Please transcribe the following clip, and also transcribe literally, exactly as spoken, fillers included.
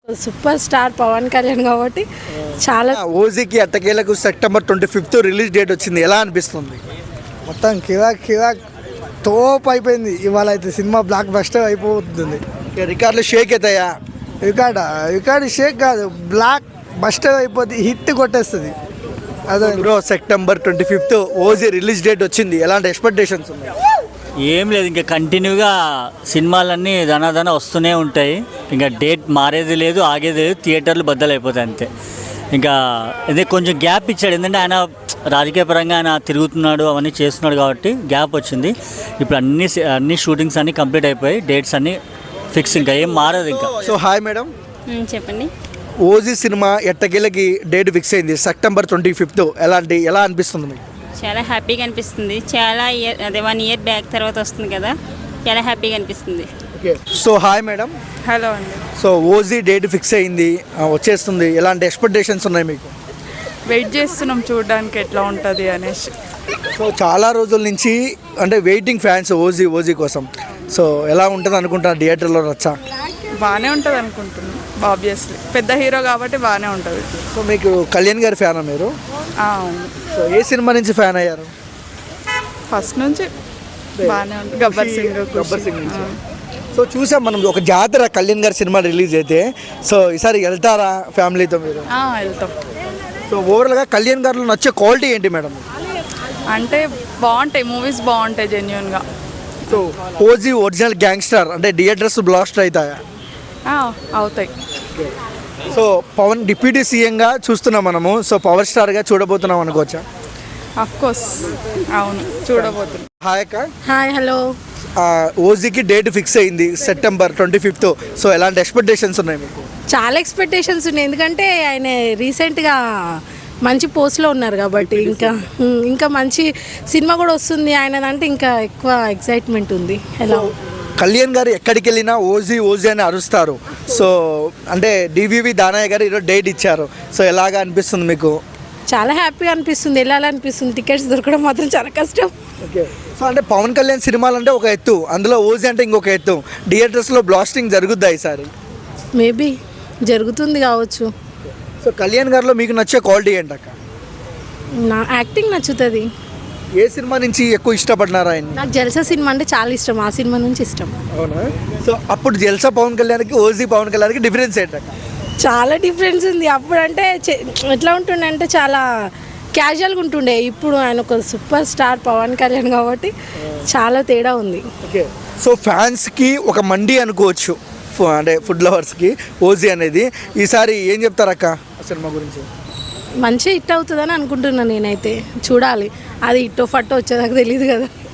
Super star Pawan Kalyan కాబట్టి చాలా. ఓజీకి అట్టకేలకు September twenty fifth release date వచ్చింది, ఎలా అనిపిస్తుంది? మొత్తం కిరాక్ కిరాక్ తోప్ అయిపోయింది. ఇవాళ అయితే సినిమా బ్లాక్ బస్టర్ అయిపోతుంది. రికార్డులు షేక్ అవుతాయా? రికార్డ్ రికార్డ్ షేక్ కాదు, బ్లాక్ బస్టర్ అయిపోతుంది, హిట్ కొట్టేస్తుంది. అదే bro, September twenty fifth OG release date వచ్చింది, ఎలాంటి ఎక్స్పెక్టేషన్స్ ఉన్నాయి? ఏం లేదు, ఇంకా కంటిన్యూగా సినిమాలన్నీ ధనాధన వస్తూనే ఉంటాయి. ఇంకా డేట్ మారేది లేదు, ఆగేది లేదు, థియేటర్లు బద్దలైపోతాయి అంతే. ఇంకా అదే కొంచెం గ్యాప్ ఇచ్చాడు, ఎందుకంటే ఆయన రాజకీయ పరంగా ఆయన తిరుగుతున్నాడు, అవన్నీ చేస్తున్నాడు కాబట్టి గ్యాప్ వచ్చింది. ఇప్పుడు అన్ని అన్ని షూటింగ్స్ అన్నీ కంప్లీట్ అయిపోయి డేట్స్ అన్నీ ఫిక్స్, ఇంకా ఏం మారదు ఇంకా. సో హాయ్ మేడం, చెప్పండి. ఓజీ సినిమా ఎట్టకేలకి డేట్ ఫిక్స్ అయింది సెప్టెంబర్ ట్వంటీ ఫిఫ్త్, ఎలాంటి ఎలా అనిపిస్తుంది మీకు? చాలా హ్యాపీగా అనిపిస్తుంది. చాలా ఇయర్ అదే వన్ ఇయర్ బ్యాక్ తర్వాత వస్తుంది కదా, చాలా హ్యాపీగా అనిపిస్తుంది. Okay. So hi madam. Hello అండి. సో ఓజీ డేట్ ఫిక్స్ అయింది, ఆ, వచ్చేస్తుంది, ఎలాంటి ఎక్స్పెక్టేషన్స్ ఉన్నాయి మీకు? వెయిట్ చేస్తున్నాం చూడడానికి ఎట్లా ఉంటుంది అనేసి. సో చాలా రోజుల నుంచి అంటే వెయిటింగ్ ఫ్యాన్స్ ఓజీ ఓజీ కోసం. సో ఎలా ఉంటుంది అనుకుంటున్నారు థియేటర్లో రచ్చా? బాగానే ఉంటుంది అనుకుంటున్నాం, ఆబ్వియస్లీ పెద్ద హీరో కాబట్టి బాగానే ఉంటుంది. సో మీకు కళ్యాణ్ గారి ఫ్యానా మీరు? ఆ, అవును. సో ఏ సినిమా నుంచి ఫ్యాన్ అయ్యారు? ఫస్ట్ నుంచి బాగానే ఉంటుంది. గబ్బర్ సింగ్ గబ్బర్ సింగ్ నుంచి. సో చూసాం మనం ఒక జాతర కళ్యాణ్ గారి సినిమా రిలీజ్ అయితే. సో ఈసారి వెళ్తారా ఫ్యామిలీతో మీరు? వెళ్తాం. సో ఓవరాల్గా కళ్యాణ్ గారిలో నచ్చే క్వాలిటీ ఏంటి మేడం? అంటే బాగుంటాయి మూవీస్, బాగుంటాయి జెన్యున్గా. సో ఓజీ ఒరిజినల్ గ్యాంగ్స్టర్ అంటే థియేటర్స్ బ్లాస్ట్ అవుతాయా? అవుతాయి. సో పవన్ డిప్యూటీ సీఎంగా చూస్తున్నాం మనము, సో పవర్ స్టార్గా చూడబోతున్నాం అనుకోవచ్చా? అఫ్ కోర్స్, అవును, చూడబోతున్నాం. హాయ్ అక్క. Hi, hello. ఓజీకి డేట్ ఫిక్స్ అయింది సెప్టెంబర్ ట్వంటీ ఫిఫ్త్, సో ఎలాంటి ఎక్స్పెక్టేషన్స్ ఉన్నాయి మీకు? చాలా ఎక్స్పెక్టేషన్స్ ఉన్నాయి, ఎందుకంటే ఆయన రీసెంట్గా మంచి పోస్ట్లో ఉన్నారు కాబట్టి ఇంకా ఇంకా మంచి సినిమా కూడా వస్తుంది ఆయనదంటే ఇంకా ఎక్కువ ఎక్సైట్మెంట్ ఉంది. ఎలా కళ్యాణ్ గారు ఎక్కడికి వెళ్ళినా ఓజీ ఓజీ అని అరుస్తారు. సో అంటే డివివి దానయ్య గారు ఈరోజు డేట్ ఇచ్చారు, సో ఎలాగా అనిపిస్తుంది మీకు? చాలా హ్యాపీగా అనిపిస్తుంది, వెళ్ళాలనిపిస్తుంది. టికెట్స్ దొరకడం మాత్రం చాలా కష్టం. ఓకే. సో అంటే పవన్ కళ్యాణ్ సినిమాలు అంటే ఒక ఎత్తు, అందులో ఓజీ అంటే ఇంకొక ఎత్తు. థియేటర్స్లో బ్లాస్టింగ్ జరుగుద్దా ఈసారి? మేబీ జరుగుతుంది కావచ్చు. సో కళ్యాణ్ గారిలో మీకు నచ్చే క్వాలిటీ ఏంటక్క? నా యాక్టింగ్ నచ్చుతుంది. ఏ సినిమా నుంచి ఎక్కువ ఇష్టపడినారా ఆయన? నాకు జల్సా సినిమా అంటే చాలా ఇష్టం, ఆ సినిమా నుంచి ఇష్టం. అవునా? సో అప్పుడు జల్సా పవన్ కళ్యాణ్కి ఓజీ పవన్ కళ్యాణ్కి డిఫరెన్స్ ఏంటక్క? చాలా డిఫరెన్స్ ఉంది. అప్పుడు అంటే ఎట్లా ఉంటుండే అంటే చాలా క్యాజువల్గా ఉంటుండే, ఇప్పుడు ఆయన ఒక సూపర్ స్టార్ పవన్ కళ్యాణ్ కాబట్టి చాలా తేడా ఉంది. ఓకే. సో ఫ్యాన్స్కి ఒక మండి అనుకోవచ్చు, అంటే ఫుడ్ లవర్స్కి ఓజీ అనేది. ఈసారి ఏం చెప్తారక్క సినిమా గురించి? మంచి హిట్ అవుతుందని అనుకుంటున్నాను నేనైతే. చూడాలి, అది హిట్టో ఫట్టో వచ్చేదాకా తెలియదు కదా.